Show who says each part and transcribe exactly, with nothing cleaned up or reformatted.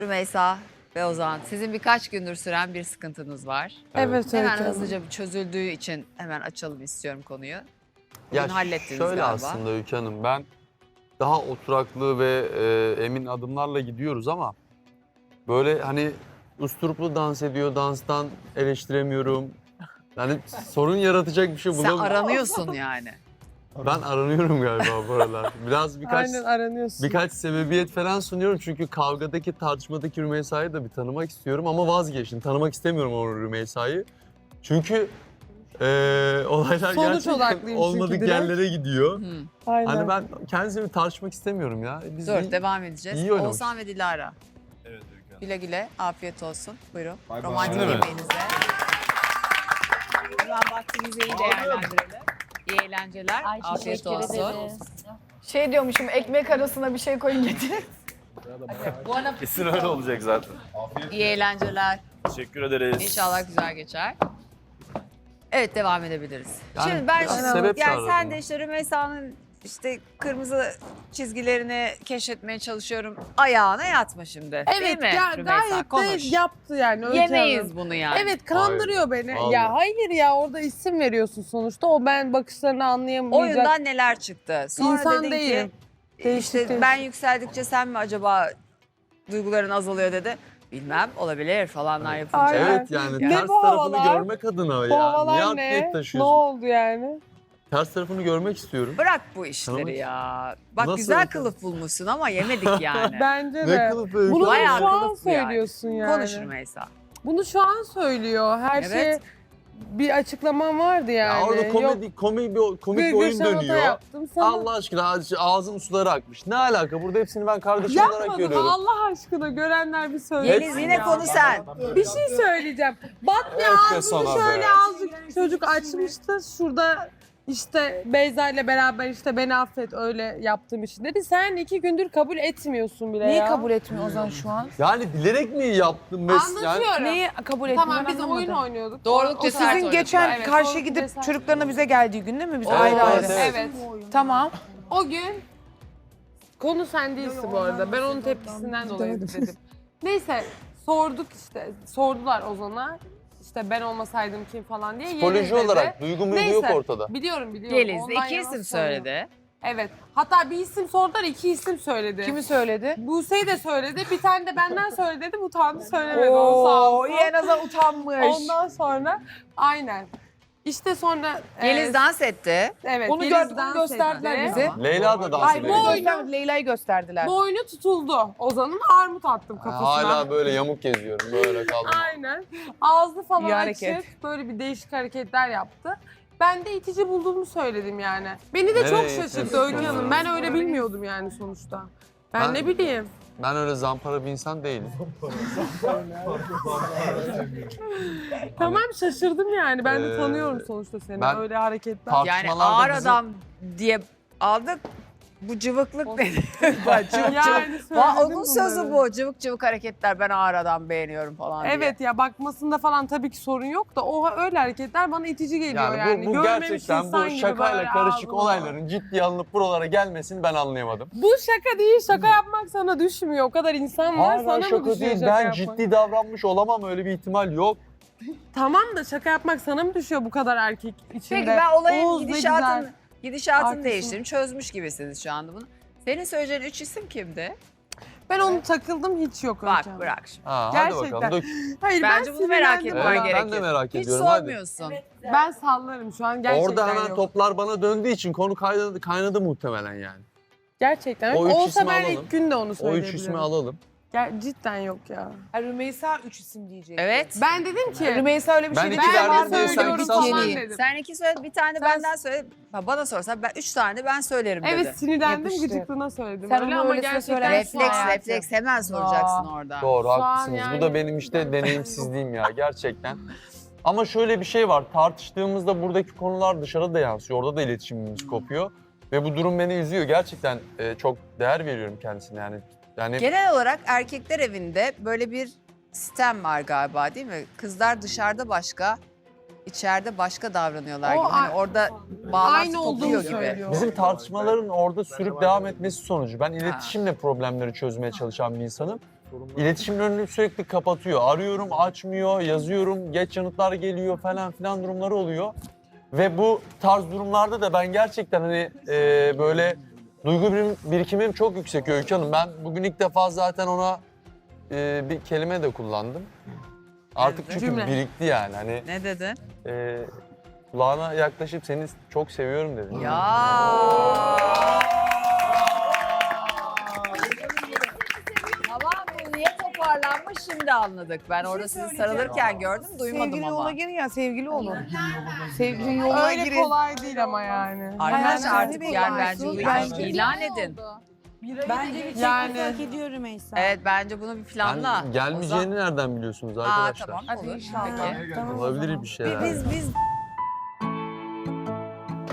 Speaker 1: Rümeysa ve Ozan, sizin birkaç gündür süren bir sıkıntınız var.
Speaker 2: Evet,
Speaker 1: Hemen
Speaker 2: Öykü Hanım.
Speaker 1: hızlıca bir çözüldüğü için hemen açalım istiyorum konuyu.
Speaker 3: Ya
Speaker 1: Bugün hallettiniz
Speaker 3: şöyle
Speaker 1: galiba.
Speaker 3: aslında Öykü Hanım, ben daha oturaklı ve e, emin adımlarla gidiyoruz ama böyle hani usturuplu dans ediyor, danstan eleştiremiyorum. Yani sorun yaratacak bir şey
Speaker 1: Sen
Speaker 3: bulamıyorum.
Speaker 1: aranıyorsun yani.
Speaker 3: Ben aranıyorum galiba bu aralar. Biraz birkaç
Speaker 2: Aynen aranıyorsun.
Speaker 3: birkaç sebebiyet falan sunuyorum çünkü kavgadaki, tartışmadaki Rümeysa'yı da bir tanımak istiyorum ama vazgeçtim. Tanımak istemiyorum o Rümeysa'yı. Çünkü e, olaylar
Speaker 2: Sonuç
Speaker 3: gerçekten
Speaker 2: odaklıyım çünkü
Speaker 3: olmadık
Speaker 2: direkt.
Speaker 3: yerlere gidiyor.
Speaker 1: Hı.
Speaker 2: Aynen.
Speaker 3: Hani ben kendisini tartışmak istemiyorum ya. Biz
Speaker 1: Dur,
Speaker 3: iyi-
Speaker 1: devam edeceğiz.
Speaker 3: iyi oynamış.
Speaker 1: Oğuzhan ve Dilara.
Speaker 4: Evet Öykü Hanım.
Speaker 1: Güle güle, afiyet olsun. Buyurun.
Speaker 4: Bay bay.
Speaker 1: Romantik
Speaker 4: Şimdi mi?
Speaker 1: yemeğinize. Hemen vaktinizi iyi değerlendirelim. İyi eğlenceler,
Speaker 5: Ay,
Speaker 1: afiyet
Speaker 5: teşekkür
Speaker 1: olsun.
Speaker 5: ederiz.
Speaker 6: Şey diyormuşum, ekmek arasına bir şey koyun getir.
Speaker 4: Kesin öyle olacak zaten.
Speaker 1: İyi eğlenceler.
Speaker 4: Teşekkür ederiz.
Speaker 1: İnşallah güzel geçer. Evet, devam edebiliriz.
Speaker 3: Yani
Speaker 1: Şimdi ben
Speaker 3: biraz
Speaker 1: şimdi,
Speaker 3: sebep
Speaker 1: yani
Speaker 3: çağırdım
Speaker 1: sen
Speaker 3: ben.
Speaker 1: de işte Rümeysa'nın işte kırmızı çizgilerini keşfetmeye çalışıyorum. Ayağına yatma şimdi. Değil
Speaker 2: Evet
Speaker 1: mi
Speaker 2: ya,
Speaker 1: Rümeysa?
Speaker 2: gayet
Speaker 1: Konuş.
Speaker 2: de yaptı yani. Öykü
Speaker 1: Yemeyiz
Speaker 2: Hanım.
Speaker 1: bunu yani.
Speaker 2: Evet kandırıyor beni.
Speaker 3: Vallahi.
Speaker 2: Ya hayır ya, orada isim veriyorsun sonuçta. O ben bakışlarını anlayamayacak.
Speaker 1: Oyundan neler çıktı? Sonra
Speaker 2: İnsan
Speaker 1: dedin
Speaker 2: değilim.
Speaker 1: ki
Speaker 2: Değişik
Speaker 1: işte
Speaker 2: değişik.
Speaker 1: ben yükseldikçe sen mi acaba duyguların azalıyor dedi. Bilmem, olabilir falanlar yapınca.
Speaker 2: Aynen.
Speaker 3: Evet yani
Speaker 2: Ne
Speaker 3: ters
Speaker 2: bu
Speaker 3: tarafını
Speaker 2: havalar?
Speaker 3: görmek adına
Speaker 2: Bu
Speaker 3: ya. Niye
Speaker 2: havalar
Speaker 3: atlet
Speaker 2: ne? Ne
Speaker 3: taşıyorsun?
Speaker 2: oldu yani?
Speaker 3: Ters tarafını görmek istiyorum.
Speaker 1: Bırak bu işleri
Speaker 3: Tanımak-
Speaker 1: ya. Bak
Speaker 3: Nasıl
Speaker 1: güzel
Speaker 3: bakalım?
Speaker 1: kılıf bulmuşsun ama yemedik yani.
Speaker 2: Bence
Speaker 3: Ne
Speaker 2: de.
Speaker 3: kılıf Öykü
Speaker 2: Bunu
Speaker 3: Hanım?
Speaker 1: Bayağı
Speaker 2: şu an
Speaker 1: kılıf bu yani.
Speaker 2: söylüyorsun yani.
Speaker 1: Konuş Rümeysa.
Speaker 2: Bunu şu an söylüyor. Her
Speaker 1: Evet.
Speaker 2: şey bir açıklamam vardı yani.
Speaker 3: Ya orada
Speaker 2: Yok,
Speaker 3: komedi, komik bir, komik bir
Speaker 2: virgül
Speaker 3: oyun
Speaker 2: şamata
Speaker 3: dönüyor.
Speaker 2: yaptım sana.
Speaker 3: Allah aşkına ağz- ağzın suları akmış. Ne alaka? Burada hepsini ben kardeşim olarak
Speaker 2: Yapmadım
Speaker 3: görüyorum.
Speaker 2: Allah aşkına, görenler bir söylesin.
Speaker 1: Yeliz yine
Speaker 2: ya.
Speaker 1: konu sen.
Speaker 2: Bir şey söyleyeceğim. Batya
Speaker 3: Evet be
Speaker 2: ağzını
Speaker 3: sana
Speaker 2: şöyle
Speaker 3: be.
Speaker 2: azıcık çocuk açmıştı. Şurada işte Beyza ile beraber işte beni affet öyle yaptığım için dedi. Sen iki gündür kabul etmiyorsun bile
Speaker 6: Neyi
Speaker 2: ya.
Speaker 6: kabul etmiyor Ozan şu an?
Speaker 3: Yani bilerek mi yaptın? Mes- yani,
Speaker 2: Anlatıyorum.
Speaker 6: Neyi kabul etmiyor?
Speaker 2: Tamam
Speaker 6: ben
Speaker 2: biz oyun
Speaker 6: anlamadım.
Speaker 2: oynuyorduk.
Speaker 1: Doğruluk
Speaker 2: O- o
Speaker 1: cesaret
Speaker 6: Sizin
Speaker 1: oynadılar.
Speaker 6: geçen
Speaker 2: Evet,
Speaker 6: karşı
Speaker 2: doğru,
Speaker 6: gidip
Speaker 2: cesaret
Speaker 6: çocuklarına bize geldiği gün değil mi? Biz
Speaker 3: Evet,
Speaker 6: ayrı ayrı.
Speaker 3: evet,
Speaker 2: Evet.
Speaker 6: Tamam.
Speaker 2: O gün konu sen değilsin bu arada. Ben onun tepkisinden dolayı dedim. Neyse sorduk işte. Sordular Ozan'a. İşte ben olmasaydım kim falan diye. Yeliz
Speaker 3: psikoloji
Speaker 2: dedi.
Speaker 3: olarak duygu muygu yok
Speaker 2: Neyse.
Speaker 3: ortada.
Speaker 2: Biliyorum biliyorum.
Speaker 1: Yeliz
Speaker 2: Ondan
Speaker 1: iki
Speaker 2: yana
Speaker 1: isim
Speaker 2: sormuyorum.
Speaker 1: söyledi.
Speaker 2: Evet. Hatta bir isim sordular, iki isim söyledi.
Speaker 6: Kimi söyledi?
Speaker 2: Buse'yi de söyledi. Bir tane de benden söyledi dedim. Utandı söylemedi. O sağ
Speaker 6: Oo,
Speaker 2: olsun.
Speaker 6: iyi en azından utanmış.
Speaker 2: Ondan sonra aynen. İşte sonra
Speaker 1: Yeliz
Speaker 2: e,
Speaker 1: dans etti.
Speaker 2: evet,
Speaker 6: Onu
Speaker 2: Yeliz
Speaker 6: gördük, onu
Speaker 2: dans
Speaker 6: gösterdiler
Speaker 2: etti.
Speaker 6: bize.
Speaker 3: Leyla da dans
Speaker 2: Ay,
Speaker 3: ediyor.
Speaker 2: bu oyun-
Speaker 6: Göster- Leyla'yı gösterdiler.
Speaker 2: Boynu tutuldu. Ozan'ın armut attım kafasına.
Speaker 3: Hala böyle yamuk geziyorum. Böyle kaldım.
Speaker 2: Aynen. Ağzı falan
Speaker 6: İyi
Speaker 2: açık.
Speaker 6: hareket.
Speaker 2: Böyle bir değişik hareketler yaptı. Ben de itici bulduğumu söyledim yani. Beni de çok
Speaker 3: Nereye
Speaker 2: şaşırttı
Speaker 3: itiyorsun
Speaker 2: Öykü Hanım.
Speaker 3: ya?
Speaker 2: Ben öyle bilmiyordum yani sonuçta. Ben,
Speaker 3: Ben-
Speaker 2: ne bileyim.
Speaker 3: Ben öyle zampara bir insan değilim.
Speaker 2: Tamam şaşırdım yani. Ben de
Speaker 3: Ee,
Speaker 2: tanıyorum sonuçta seni.
Speaker 3: ben-
Speaker 2: öyle hareketler.
Speaker 3: Tar-
Speaker 1: Yani
Speaker 3: Tartışmalarda
Speaker 1: ağır
Speaker 3: bizim-
Speaker 1: adam diye aldık. Bu cıvıklık ne? Bak, cıvık
Speaker 2: Yani
Speaker 1: cıvık.
Speaker 2: söyledim
Speaker 1: Va- Onun
Speaker 2: bunları.
Speaker 1: sözü bu. Cıvık cıvık hareketler. Ben ağır adam beğeniyorum falan diye.
Speaker 2: Evet ya, bakmasında falan tabii ki sorun yok da o öyle hareketler bana itici geliyor yani.
Speaker 3: Yani bu, bu
Speaker 2: Görmemiş
Speaker 3: gerçekten
Speaker 2: insan
Speaker 3: bu
Speaker 2: gibi
Speaker 3: şakayla
Speaker 2: böyle
Speaker 3: karışık
Speaker 2: ağzını-
Speaker 3: olayların ciddiye alınıp buralara gelmesini ben anlayamadım.
Speaker 2: Bu şaka değil, şaka yapmak sana düşmüyor. O kadar insan var,
Speaker 3: Hala
Speaker 2: sana mı
Speaker 3: şaka
Speaker 2: düşüyor
Speaker 3: değil.
Speaker 2: şaka
Speaker 3: Ben
Speaker 2: yapmak?
Speaker 3: ciddi davranmış olamam. Öyle bir ihtimal yok.
Speaker 2: Tamam da şaka yapmak sana mı düşüyor bu kadar erkek içinde?
Speaker 1: Peki ben olayın
Speaker 2: Oğuz ne
Speaker 1: gidişatını,
Speaker 2: güzel.
Speaker 1: gidişatını
Speaker 2: Arkasını-
Speaker 1: değiştirdim. Çözmüş gibisiniz şu anda bunu. Senin söyleyeceğin üç isim kimdi?
Speaker 2: Ben onu takıldım, hiç yok
Speaker 1: Bak
Speaker 2: hocam.
Speaker 1: bırak şimdi.
Speaker 3: Ha, hadi
Speaker 2: Gerçekten.
Speaker 3: bakalım. Dök.
Speaker 2: Hayır,
Speaker 1: Bence
Speaker 2: ben
Speaker 1: bunu merak
Speaker 2: sinirlendim
Speaker 1: etmen
Speaker 2: ona.
Speaker 3: Evet, ben de
Speaker 1: gerekir.
Speaker 3: merak
Speaker 1: Hiç
Speaker 3: ediyorum. Hadi.
Speaker 1: sormuyorsun.
Speaker 2: Ben sallarım şu an, gerçekten
Speaker 3: Orada hemen
Speaker 2: yok.
Speaker 3: toplar bana döndüğü için konu kaynadı, kaynadı muhtemelen yani.
Speaker 2: Gerçekten.
Speaker 3: O üç
Speaker 2: Olsa
Speaker 3: ismi
Speaker 2: ben
Speaker 3: alalım.
Speaker 2: ilk gün de onu
Speaker 3: O
Speaker 2: söyleyebilirim.
Speaker 3: üç ismi alalım.
Speaker 2: Ger- cidden yok ya.
Speaker 6: Ha, Rümeysa üç isim diyecek.
Speaker 1: Evet.
Speaker 2: Ben dedim ki...
Speaker 6: Rümeysa öyle bir
Speaker 3: Ben
Speaker 6: şey
Speaker 3: iki
Speaker 6: dedi.
Speaker 3: verdim
Speaker 2: Ben de
Speaker 3: diye sen
Speaker 2: söylüyorum
Speaker 3: kısa
Speaker 2: falan
Speaker 3: söyledin.
Speaker 2: dedim.
Speaker 1: Sen iki söyle, bir tane de
Speaker 2: Sen-
Speaker 1: benden söyle. Ha, bana sorsan ben üç tane ben söylerim dedi.
Speaker 2: Evet, sinirlendim,
Speaker 6: Yapıştı.
Speaker 2: gıcıklığına söyledim.
Speaker 6: Sen
Speaker 2: öyle
Speaker 6: onu
Speaker 2: ama
Speaker 6: öylesine
Speaker 2: gerçekten
Speaker 6: söylersin.
Speaker 1: Refleks,
Speaker 6: hayatım.
Speaker 1: refleks hemen soracaksın orada.
Speaker 3: Doğru,
Speaker 2: Şu an
Speaker 3: haklısınız.
Speaker 2: yani-
Speaker 3: Bu da benim işte deneyimsizliğim ya gerçekten. Ama şöyle bir şey var. Tartıştığımızda buradaki konular dışarıda da yansıyor. Orada da iletişimimiz kopuyor. Ve bu durum beni üzüyor. Gerçekten e, çok değer veriyorum kendisine yani. Yani
Speaker 1: Genel olarak erkekler evinde böyle bir sistem var galiba değil mi? Kızlar dışarıda başka, içeride başka davranıyorlar
Speaker 2: O
Speaker 1: gibi. Hani
Speaker 2: a-
Speaker 1: orada bağlantı
Speaker 2: Aynı olduğunu
Speaker 1: kopuyor gibi.
Speaker 2: söylüyor.
Speaker 3: bizim tartışmaların orada sürüp devam etmesi sonucu. Ben iletişimle problemleri çözmeye çalışan bir insanım. İletişimin önünü sürekli kapatıyor. Arıyorum, açmıyor, yazıyorum, geç yanıtlar geliyor falan filan durumları oluyor. Ve bu tarz durumlarda da ben gerçekten hani e, böyle duygu birim- birikimim çok yüksek Öykü Hanım. Ben bugün ilk defa zaten ona e, bir kelime de kullandım. Artık çünkü
Speaker 2: Cümle.
Speaker 3: birikti yani. Hani
Speaker 1: Ne dedin?
Speaker 3: e, kulağına yaklaşıp seni çok seviyorum dedim.
Speaker 1: Ya. Tamam bu niye toparlanmış şimdi anladık. Ben orada sizi sarılırken gördüm duymadım
Speaker 5: Sevgili
Speaker 1: ama.
Speaker 5: yola girin ya sevgili olun. Sevgili yoluna
Speaker 2: Öyle
Speaker 5: girin.
Speaker 2: kolay değil ama yani.
Speaker 1: Arkadaşlar
Speaker 5: Hayatım,
Speaker 1: artık
Speaker 5: ne
Speaker 1: yani
Speaker 5: bekliyorsun?
Speaker 1: bence bu
Speaker 5: Bence
Speaker 1: ilişkiyi ilan edin.
Speaker 5: Bence bir çekmek
Speaker 2: Yani-
Speaker 5: hak ediyor Rümeysa.
Speaker 1: Evet bence bunu bir planla.
Speaker 3: Ben gelmgelmeyeceğini nereden biliyorsunuz
Speaker 1: Aa
Speaker 3: arkadaşlar?
Speaker 1: tamam
Speaker 2: Hadi
Speaker 1: olur.
Speaker 2: inşallah.
Speaker 1: Peki.
Speaker 5: Tamam o
Speaker 3: Olabilir
Speaker 5: zaman.
Speaker 3: bir şeyler.
Speaker 5: Biz, biz